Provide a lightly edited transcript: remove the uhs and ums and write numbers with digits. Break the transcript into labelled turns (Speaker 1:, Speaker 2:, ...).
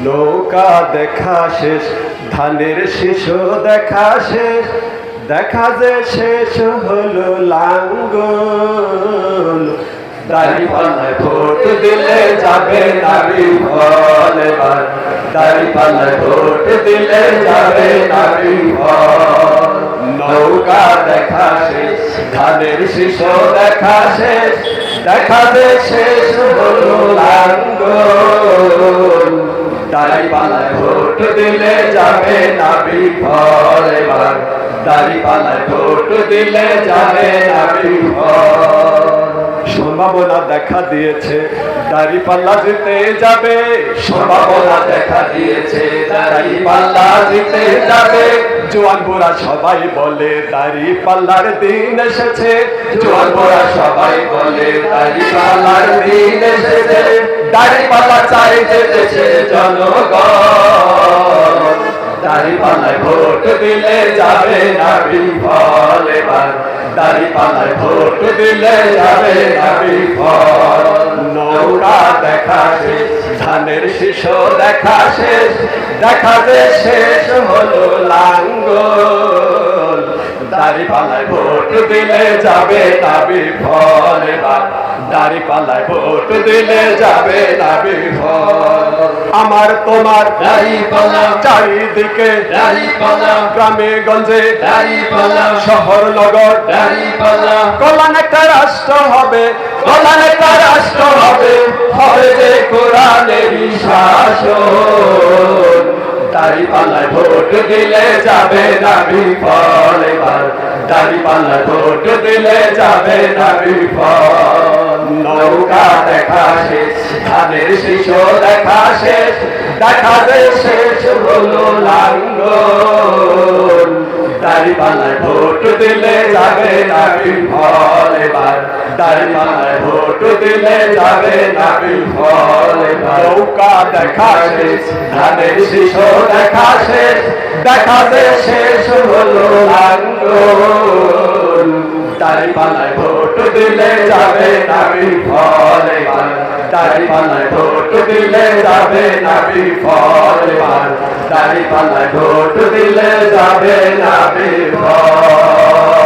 Speaker 1: নৌকা দেখা শেষ, ধানের শিশু দেখা শেষ, দেখা যে শেষ হলো লাঙ্গল। দাঁড়িপাল্লায় ভোট দিলে যাবে নারী ফল এবার, দাঁড়িপাল্লায় ভোট দিলে যাবে নারী ফল। নৌকা দেখা শেষ, ধানের শিশু দেখা শেষ, দেখা যে শেষ হলো লাঙ্গল। দাঁড়িপাল্লায় ভোট দিলে যাবে নারী ফল এবার, দাঁড়িপাল্লায় ভোট দিলে যাবে নারী ফল। সম্ভাবনা দেখা দিয়েছে দাঁড়িপাল্লা জিতে যাবে, সম্ভাবনা দেখা দিয়েছে দাঁড়িপাল্লা জিতে যাবে। জোয়ান বুড়া সবাই বলে দাঁড়িপাল্লার দিন এসেছে, জোয়ান বুড়া সবাই বলে দাঁড়িপাল্লার দিন এসেছে। দাঁড়িপাল্লা চাই যেতেছে জনগণ, দাঁড়িপাল্লায় ভোট দিলে যাবে নারী ফল এবার, দাঁড়িপাল্লায় ভোট দিলে যাবে নারী ফল। নৌকা দেখা শেষ, ধানের শিশু দেখা শেষ, দেখা যে শেষ হলো লাঙ্গল। দাঁড়িপাল্লায় ভোট দিলে যাবে নারী ফল এবার, দাঁড়িপাল্লায় ভোট দিলে যাবে নারী ফল। আমার তোমার
Speaker 2: দাঁড়িপাল্লা,
Speaker 1: চারিদিকে
Speaker 2: দাঁড়িপাল্লা,
Speaker 1: গ্রামে গঞ্জে
Speaker 2: দাঁড়িপাল্লা,
Speaker 1: শহর নগর
Speaker 2: দাঁড়িপাল্লা,
Speaker 1: কল্যাণ একটা রাষ্ট্র হবে, কল্যাণ একটা রাষ্ট্র হবে, হবে যে কোরআনেরই শাসন। দাঁড়িপাল্লায় ভোট দিলে যাবে নারী ফল এবার, দাঁড়িপাল্লায় ভোট দিলে যাবে নারী ফল। নৌকা দেখা শেষ, ধানের শিশু দেখা শেষ, দেখা যে শেষ হলো লাঙ্গল। দাঁড়িপাল্লায় ভোট দিলে যাবে নারী ফল এবার, দাঁড়িপাল্লায় ভোট দিলে যাবে নারী ফল এবার। নৌকা দেখা শেষ, ধানের শিশু দেখা শেষ, দেখা যে শেষ হলো লাঙ্গল। দাঁড়িপাল্লায় ভোট দিলে যাবে নারী ফল এবার, দাঁড়িপাল্লায় ভোট দিলে যাবে নারী ফল এবার, দাঁড়িপাল্লায় ভোট দিলে যাবে নারী ফল।